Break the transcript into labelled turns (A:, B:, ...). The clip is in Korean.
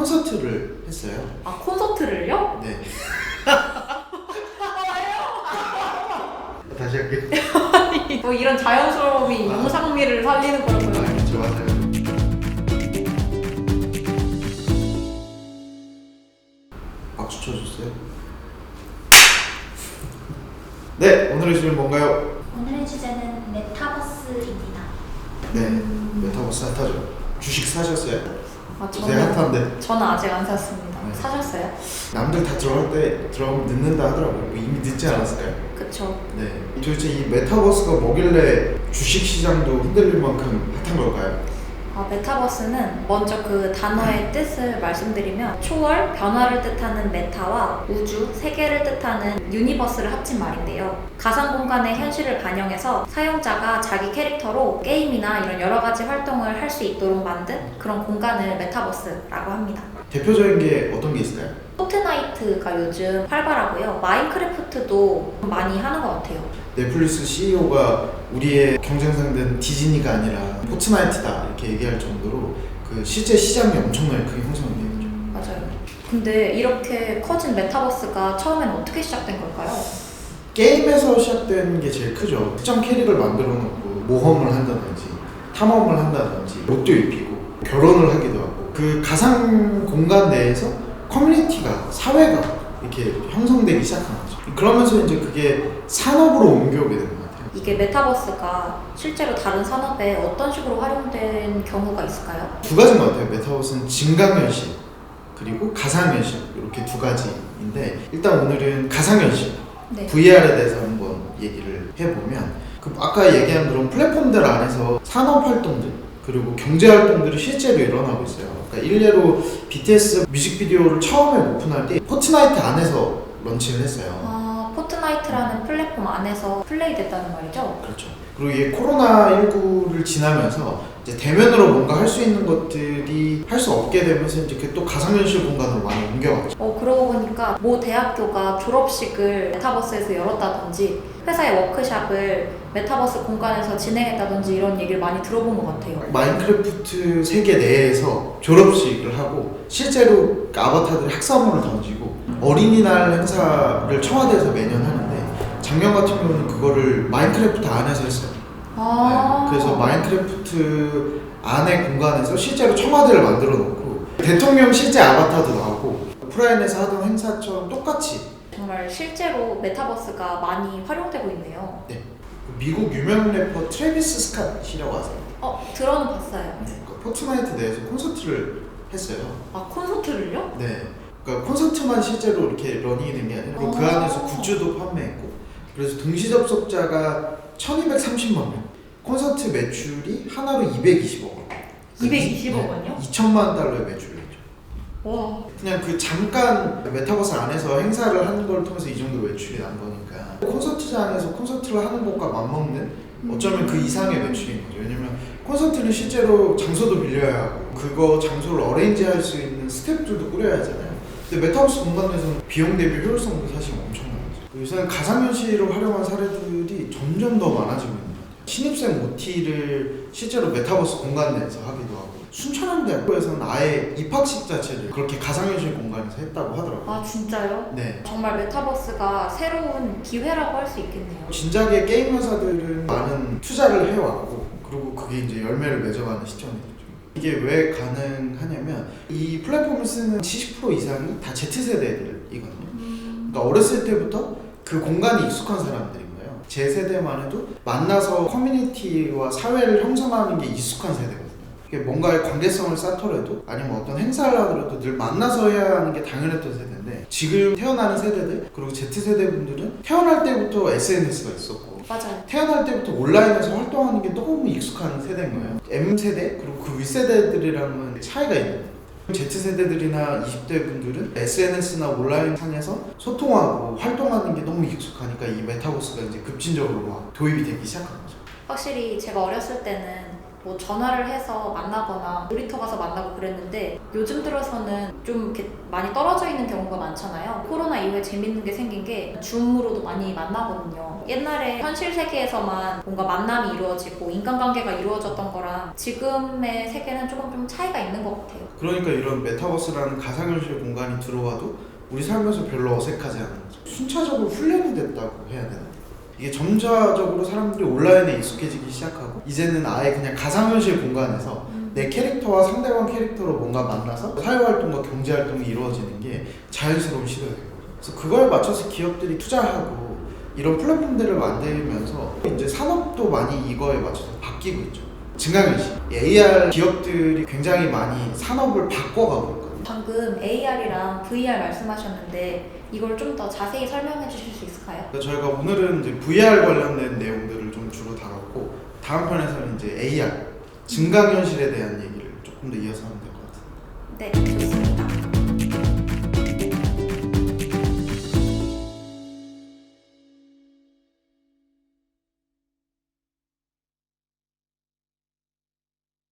A: 콘서트를 했어요.
B: 아, 콘서트를요?
A: 네. 다시 할게요.
B: 뭐 이런 자연스러움이 영상미를 살리는 거라고요.
A: 그렇죠, 맞아요. 박수 쳐주세요. 네, 오늘의 주제는 뭔가요?
C: 오늘의 주제는 메타버스입니다.
A: 네, 메타버스 핫하죠. 주식 사셨어요?
B: 아,
A: 요새 핫한데
B: 저는 아직 안 샀습니다.
A: 네.
B: 사셨어요?
A: 남들 다 들어갈 때 들어가면 늦는다 하더라고요. 뭐 이미 늦지 않았을까요?
B: 그쵸.
A: 네. 도대체 이 메타버스가 뭐길래 주식 시장도 흔들릴 만큼 핫한 걸까요?
B: 메타버스는 먼저 그 단어의 뜻을 말씀드리면 초월, 변화를 뜻하는 메타와 우주, 세계를 뜻하는 유니버스를 합친 말인데요. 가상 공간의 현실을 반영해서 사용자가 자기 캐릭터로 게임이나 이런 여러 가지 활동을 할 수 있도록 만든 그런 공간을 메타버스라고 합니다.
A: 대표적인 게 어떤 게 있을까요?
B: 포트나이트가 요즘 활발하고요. 마인크래프트도 많이 하는 것 같아요.
A: 넷플릭스 CEO가 우리의 경쟁 상대는 디즈니가 아니라 포트나이트다 이렇게 얘기할 정도로 그 실제 시장이 엄청나게 크게 형성이 되죠.
B: 맞아요. 근데 이렇게 커진 메타버스가 처음엔 어떻게 시작된 걸까요?
A: 게임에서 시작된 게 제일 크죠. 특정 캐릭을 만들어 놓고 모험을 한다든지 탐험을 한다든지 옷도 입히고 결혼을 하기도 하고 그 가상 공간 내에서 커뮤니티가 사회가 이렇게 형성되기 시작한 거죠. 그러면서 이제 그게 산업으로 옮겨오게 된 것 같아요.
B: 이게 메타버스가 실제로 다른 산업에 어떤 식으로 활용된 경우가 있을까요?
A: 두 가지인 것 같아요. 메타버스는 증강현실 그리고 가상현실 이렇게 두 가지인데 일단 오늘은 가상현실
B: 네.
A: VR에 대해서 한번 얘기를 해보면 그 아까 얘기한 그런 플랫폼들 안에서 산업 활동들 그리고 경제 활동들이 실제로 일어나고 있어요. 그러니까 일례로 BTS 뮤직비디오를 처음에 오픈할 때 포트나이트 안에서 런칭을 했어요.
B: 포트나이트라는 플랫폼 안에서 플레이됐다는 말이죠?
A: 그렇죠. 그리고 이게 코로나19를 지나면서 이제 대면으로 뭔가 할 수 있는 것들이 할 수 없게 되면서 이제 그게 또 가상현실 공간으로 많이 옮겨갔죠.
B: 그러고 보니까 모 대학교가 졸업식을 메타버스에서 열었다든지 회사의 워크샵을 메타버스 공간에서 진행했다든지 이런 얘기를 많이 들어본 것 같아요.
A: 마인크래프트 세계 내에서 졸업식을 하고 실제로 아바타들이 학사물을 던지고 어린이날 행사를 청와대에서 매년 하는데 작년 같은 경우는 그거를 마인크래프트 안에서 했어요. 네, 그래서 마인크래프트 안의 공간에서 실제로 청와대를 만들어 놓고 대통령 실제 아바타도 나오고 오프라인에서 하던 행사처럼 똑같이
B: 정말 실제로 메타버스가 많이 활용되고 있네요.
A: 네. 미국 유명 래퍼 트래비스 스캇이라고 아세요?
B: 들어는 봤어요.
A: 네. 포트나이트 내에서 콘서트를 했어요.
B: 콘서트를요?
A: 네. 그러니까 콘서트만 실제로 이렇게 러닝이 된 게 아니라 그 안에서 굿즈도 판매했고 그래서 동시 접속자가 1230만 명 콘서트 매출이 하나로 220억 원
B: 220억 원이요?
A: 2천만 달러의 매출이죠.
B: 와.
A: 그냥 그 잠깐 메타버스 안에서 행사를 하는 걸 통해서 이 정도 매출이 난 거니까 콘서트장에서 콘서트를 하는 것과 맞먹는 어쩌면 그 이상의 매출인 거죠. 왜냐면 콘서트는 실제로 장소도 빌려야 하고 그거 장소를 어레인지 할 수 있는 스태프들도 꾸려야 하잖아요. 근데 메타버스 공간 내에서는 비용 대비 효율성도 사실 엄청난 거죠. 요새는 가상현실을 활용한 사례들이 점점 더 많아지고 있는 것 같아요. 신입생 OT를 실제로 메타버스 공간 내에서 하기도 하고 순천향대학교에서는 아예 입학식 자체를 그렇게 가상현실 공간에서 했다고 하더라고요.
B: 진짜요?
A: 네.
B: 정말 메타버스가 새로운 기회라고 할 수 있겠네요.
A: 진작에 게임 회사들은 많은 투자를 해왔고 그리고 그게 이제 열매를 맺어가는 시점이죠. 이게 왜 가능하냐면 이 플랫폼을 쓰는 70% 이상이 다 Z세대들이거든요. 그러니까 어렸을 때부터 그 공간이 익숙한 사람들인 거예요. 제 세대만 해도 만나서 커뮤니티와 사회를 형성하는 게 익숙한 세대거든요. 뭔가의 관계성을 쌓더라도 아니면 어떤 행사를 하더라도 늘 만나서 해야 하는 게 당연했던 세대인데 지금 태어나는 세대들 그리고 Z세대 분들은 태어날 때부터 SNS가 있었고
B: 맞아요.
A: 태어날 때부터 온라인에서 활동하는 게 너무 익숙한 세대인 거예요. M세대 그리고 그 윗세대들이랑은 차이가 있는 거예요. Z세대들이나 20대 분들은 SNS나 온라인 상에서 소통하고 활동하는 게 너무 익숙하니까 이 메타버스가 이제 급진적으로 막 도입이 되기 시작한 거죠.
B: 확실히 제가 어렸을 때는 뭐 전화를 해서 만나거나 놀이터 가서 만나고 그랬는데 요즘 들어서는 좀 이렇게 많이 떨어져 있는 경우가 많잖아요. 코로나 이후에 재밌는 게 생긴 게 줌으로도 많이 만나거든요. 옛날에 현실 세계에서만 뭔가 만남이 이루어지고 인간관계가 이루어졌던 거랑 지금의 세계는 조금 좀 차이가 있는 것 같아요.
A: 그러니까 이런 메타버스라는 가상현실 공간이 들어와도 우리 삶에서 별로 어색하지 않은 거죠. 순차적으로 훈련이 됐다고 해야 되나? 이게 점차적으로 사람들이 온라인에 익숙해지기 시작하고 이제는 아예 그냥 가상현실 공간에서 내 캐릭터와 상대방 캐릭터로 뭔가 만나서 사회활동과 경제활동이 이루어지는 게 자연스러운 시도가 된 거죠. 그래서 그걸 맞춰서 기업들이 투자하고 이런 플랫폼들을 만들면서 이제 산업도 많이 이거에 맞춰서 바뀌고 있죠. 증강현실, AR 기업들이 굉장히 많이 산업을 바꿔가고 있거든요.
B: 방금 AR이랑 VR 말씀하셨는데 이걸 좀 더 자세히 설명해 주실 수 있을까요?
A: 그래서 저희가 오늘은 이제 VR 관련된 내용들을 좀 주로 다뤘고 다음 편에서는 이제 AR, 증강현실에 대한 얘기를 조금 더 이어서 하면 될 것 같아요.
B: 네, 좋습니다.